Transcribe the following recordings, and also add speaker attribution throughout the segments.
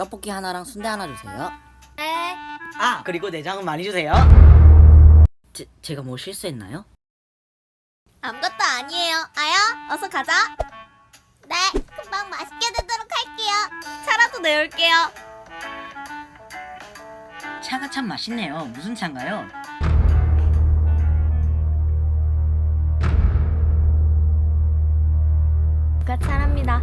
Speaker 1: 떡볶이 하나랑 순대 하나 주세요.
Speaker 2: 네.
Speaker 1: 아, 그리고 내장은 많이 주세요. 제가 뭐 실수했나요?
Speaker 2: 아무것도 아니에요. 아야, 어서 가자. 네, 금방 맛있게 되도록 할게요. 차라도 내올게요.
Speaker 1: 차가 참 맛있네요. 무슨 차인가요?
Speaker 2: 누가 차랍니다.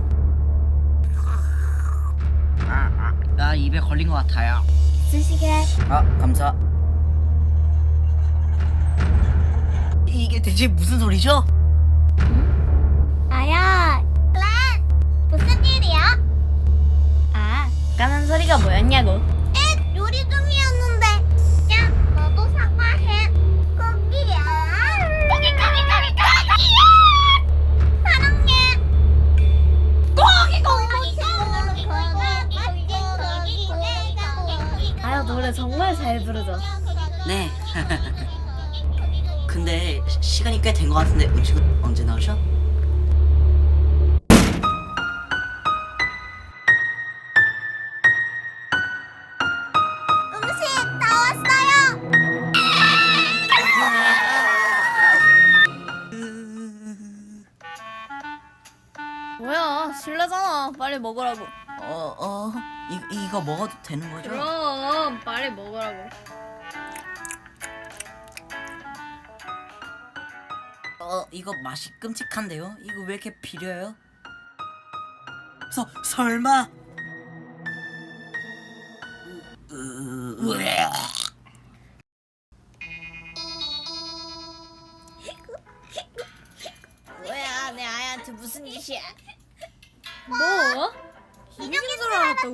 Speaker 1: 나 입에 걸린 것 같아요.
Speaker 2: 쓰시게.
Speaker 1: 아, 감사. 이게 대체 무슨 소리죠?
Speaker 2: 아야. 렌, 무슨 일이야? 아, 까는 소리가 뭐였냐고. 에, 요리 중이었는데. 야, 너도 사과해. 거기야. 거기야. 사랑해. 아야, 노래 정말 잘 부르죠.
Speaker 1: 네. 근데 시간이 꽤 된 것 같은데 음식은 언제 나오셔?
Speaker 2: 음식 다 왔어요. 뭐야, 실례잖아. 빨리 먹으라고.
Speaker 1: 이거 먹어도 되는 거죠?
Speaker 2: 그럼 빨리 먹으라고.
Speaker 1: 이거 맛이 끔찍한데요? 이거 왜 이렇게 비려요? 설마?
Speaker 2: 뭐야, 내 아이한테 무슨 짓이야? 뭐? 인형이 살아났다고?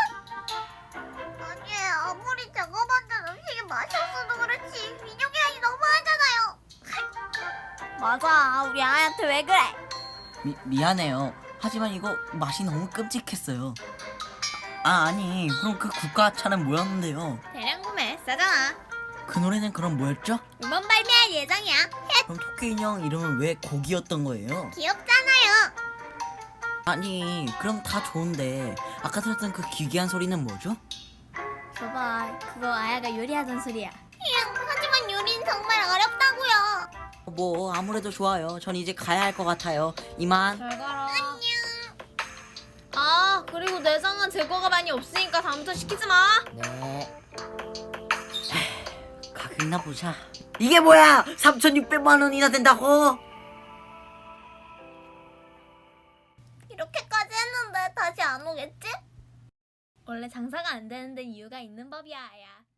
Speaker 2: 아니, 아무리 제가 만든 음식이 맛있어도 그렇지 인형이 아니 너무하잖아요. 맞아, 우리 아이한테 왜 그래?
Speaker 1: 미안해요. 하지만 이거 맛이 너무 끔찍했어요. 아니 그럼 그 국가차는 뭐였는데요?
Speaker 2: 대량 구매 싸잖아.
Speaker 1: 그 노래는 그럼 뭐였죠?
Speaker 2: 이번 발매할 예정이야.
Speaker 1: 그럼 토끼 인형 이름은 왜 고기였던 거예요?
Speaker 2: 귀엽잖아요.
Speaker 1: 아니 그럼 다 좋은데 아까 들었던 그 기괴한 소리는 뭐죠?
Speaker 2: 줘봐, 그거 아야가 요리하던 소리야. 하지만 요리는 정말 어렵다고요.
Speaker 1: 뭐 아무래도 좋아요. 전 이제 가야 할 것 같아요. 이만.
Speaker 2: 잘 가라. 안녕. 아, 그리고 내장은 재고가 많이 없으니까 다음부터 시키지 마.
Speaker 1: 네. 가격이나 보자. 이게 뭐야? 3,600만 원이나 된다고?
Speaker 2: 이렇게까지 했는데 다시 안 오겠지? 원래 장사가 안 되는데 이유가 있는 법이야, 아야.